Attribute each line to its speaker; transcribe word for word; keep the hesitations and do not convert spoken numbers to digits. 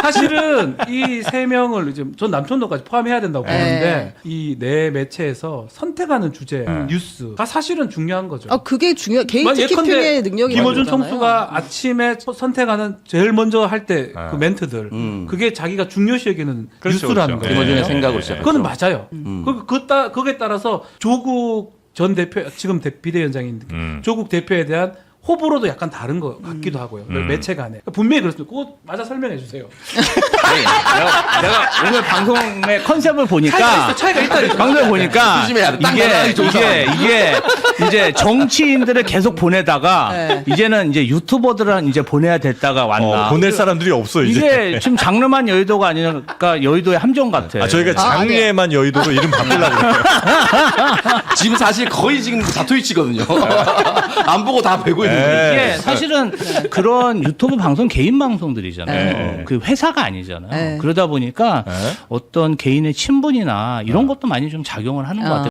Speaker 1: 사실은 이 세 명을 이제 전 남천도까지 포함해야 된다고 보는데 이 네 매체에서 선택하는 주제, 뉴스가 사실은 중요한 거죠.
Speaker 2: 아, 그게 중요. 개인
Speaker 1: 만-
Speaker 2: 특기표의
Speaker 1: 예컨대
Speaker 2: 능력이
Speaker 1: 김어준 총수가 아침에 소- 선택하는 제일 먼저 할 때 그 멘트들
Speaker 3: 음.
Speaker 1: 그게 자기가 중요시 여기는
Speaker 4: 그렇죠,
Speaker 1: 뉴스라는
Speaker 4: 그렇죠.
Speaker 1: 거예요.
Speaker 3: 김어준의
Speaker 4: 네.
Speaker 3: 생각으로
Speaker 4: 네.
Speaker 3: 시작했죠.
Speaker 1: 그건 맞아요.
Speaker 3: 음.
Speaker 1: 그, 그 따, 거기에 따라서 조국 전 대표, 지금 대, 비대위원장인데
Speaker 4: 음.
Speaker 1: 조국 대표에 대한 호불호도 약간 다른 것 같기도 하고요.
Speaker 4: 음.
Speaker 1: 매체 간에. 분명히 그렇습니다. 그거 맞아 설명해 주세요.
Speaker 5: 아니, 내가, 내가 오늘 방송의 컨셉을 보니까
Speaker 1: 차이가 있어, 차이가 있다.
Speaker 5: 방송을 보니까
Speaker 3: 조심해야 돼. 딱
Speaker 5: 이게
Speaker 3: 나가기 좋은
Speaker 5: 이게 이게 이제 정치인들을 계속 보내다가
Speaker 2: 네.
Speaker 5: 이제는 이제 유튜버들은 이제 보내야 됐다가 왔나.
Speaker 4: 어, 보낼 사람들이 없어 이제.
Speaker 5: 이게 지금 장르만 여의도가 아니니까 여의도의 함정 같아.
Speaker 4: 아 저희가
Speaker 2: 아,
Speaker 4: 장례만 여의도로 이름 바꾸려고 그래요.
Speaker 3: 지금 사실 거의 지금 다트위치거든요. 안 보고 다 배고 있는
Speaker 4: 네.
Speaker 3: 거예요.
Speaker 5: 이게 사실은 그런 유튜브 방송 개인 방송들이잖아요.
Speaker 4: 네.
Speaker 5: 그 회사가 아니잖아요.
Speaker 2: 네.
Speaker 5: 그러다 보니까
Speaker 4: 네.
Speaker 5: 어떤 개인의 친분이나 이런 것도 많이 좀 작용을 하는 것
Speaker 2: 어.
Speaker 5: 같아요.